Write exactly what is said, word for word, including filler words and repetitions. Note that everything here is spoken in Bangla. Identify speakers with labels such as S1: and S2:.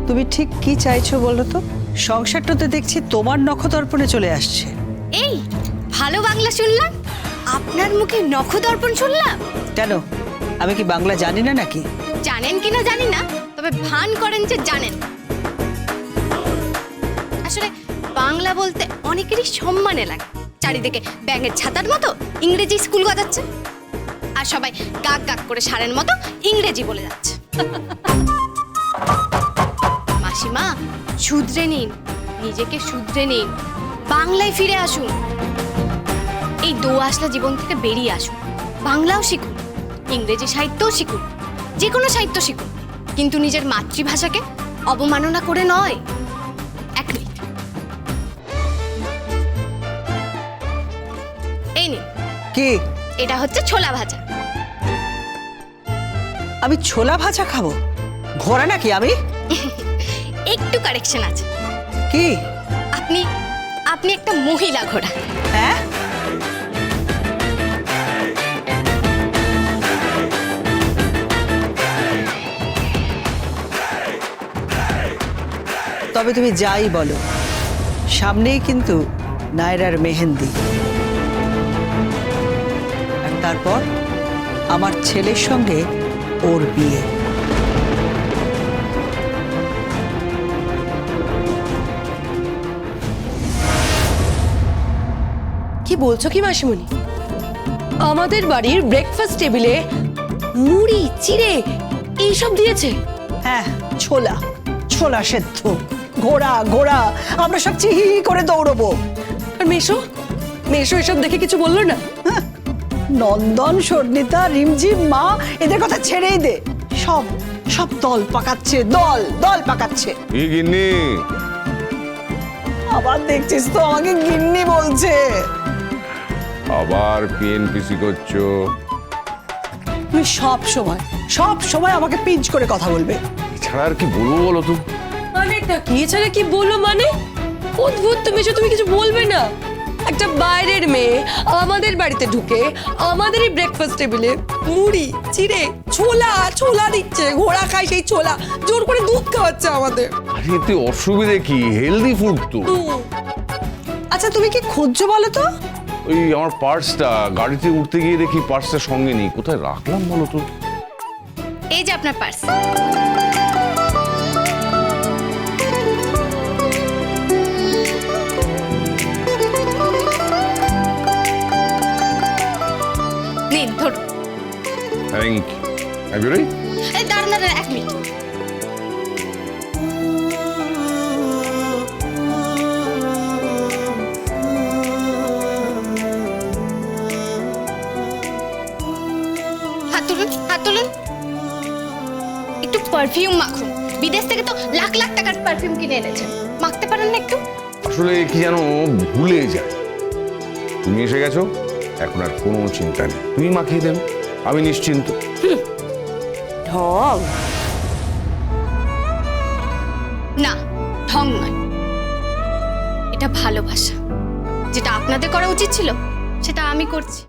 S1: তুমি ঠিক কি চাইছো বলো তো? সংসারটা তো দেখছি তোমার নখদর্পণে চলে আসছে।
S2: এই ভালো বাংলা শুনলাম, আপনার মুখে নখদর্পণ শুনলাম।
S1: কেন, আমি কি বাংলা জানি না নাকি?
S2: জানেন কিনা জানি না, তবে ভান করেন যে জানেন। আসলে বাংলা বলতে অনেকেরই সম্মানে লাগে। চারিদিকে ব্যাঙের ছাতার মতো ইংরেজি স্কুল গজাচ্ছে, আর সবাই গাক গাক করে সারের মতো ইংরেজি বলে যাচ্ছে। মাসিমা, শুধরে নিন, নিজেকে শুধরে নিন, বাংলায় ফিরে আসুন। এই দোআঁশলা জীবন থেকে বেরিয়ে আসুন, বাংলাও শিখুন, ইংরেজি সাহিত্যও শিখুন, যে কোনো সাহিত্য শিখুন, কিন্তু নিজের মাতৃভাষাকে অবমাননা করে নয়। এক মিনিট, এই নিন।
S1: কি?
S2: এটা হচ্ছে ছোলা ভাজা।
S1: আমি ছোলা ভাজা খাবো? ঘোড়া নাকি আমি?
S2: একটু কারেকশন আছে।
S1: কি?
S2: আপনি আপনি একটা মহিলা ঘোড়া।
S1: হ্যাঁ, তবে তুমি যাই বলো, সামনেই কিন্তু নায়রার মেহেন্দি, আর তারপর আমার ছেলের সঙ্গে ওর বিয়ে।
S3: কি বলছো কি মাসিমণি? আমাদের বাড়ির ব্রেকফাস্ট টেবিলে মুড়ি চিড়ে এইসব দিয়েছে?
S1: হ্যাঁ, ছোলা ছোলা সেদ্ধ, ঘোড়া ঘোড়া, আমরা সব চিহি করে দৌড়বো।
S3: আর মেশো মেশো এসব দেখে কিছু বললো না?
S1: হ্যাঁ, নন্দন, স্বর্ণিতা, রিমঝিম, মা, এদের কথা ছেড়েই দে। সব সব দল পাকাচ্ছে, দল দল পাকাচ্ছে।
S4: কি গিন্নি?
S1: আবার দেখছিস তো আমাকে গিন্নি বলছে।
S4: আবার পিএনপিসি করছো?
S1: তুমি সব সময় সব সময় আমাকে পিঞ্চ করে কথা বলবে।
S4: এছাড়া আর কি বলবো বলো তো?
S3: অনেকটা কি এছাড়া কি বললো মানে? অদ্ভুত, তুমি এসব তুমি কিছু বলবে না? একটা বাইরের মেয়ে আমাদের বাড়িতে ঢুকে আমাদেরই ব্রেকফাস্ট টেবিলে মুড়ি চিড়ে ছোলা ছোলা দিচ্ছে, ঘোড়া খায় সেই ছোলা, জোর করে দুধ খাওয়াচ্ছে আমাদের।
S4: আরে এতে অসুবিধে কি? হেলদি ফুড তো।
S3: হুম,
S1: আচ্ছা তুমি কি খুঁজছো বলো তো?
S4: ওই আমার পার্সটা, গাড়িতে উঠতে গিয়ে দেখি পার্সটা সঙ্গে নেই, কোথায় রাখলাম বলো তো?
S2: এই যে আপনার পার্স। নিন ধরুন।
S4: Thank you. রেডি?
S2: এই দাঁড়ান দাঁড়ান এক মিনিট। হাত তুলুন, হাত তুলুন। একটু পারফিউম মাখুন, বিদেশ থেকে তো লাখ লাখ টাকার পারফিউম কিনে এনেছেন, মাখতে পারেন না একটু?
S4: আসলে কি জানো, ভুলে যায়। তুমি এসে গেছো, এখন আর কোনো চিন্তা নেই, তুমি মাখিয়ে দেবে, আমি নিশ্চিন্ত।
S3: ঢং।
S2: না, ঢং নয়, এটা ভালোবাসা। যেটা আপনাদের করা উচিত ছিল সেটা আমি করছি।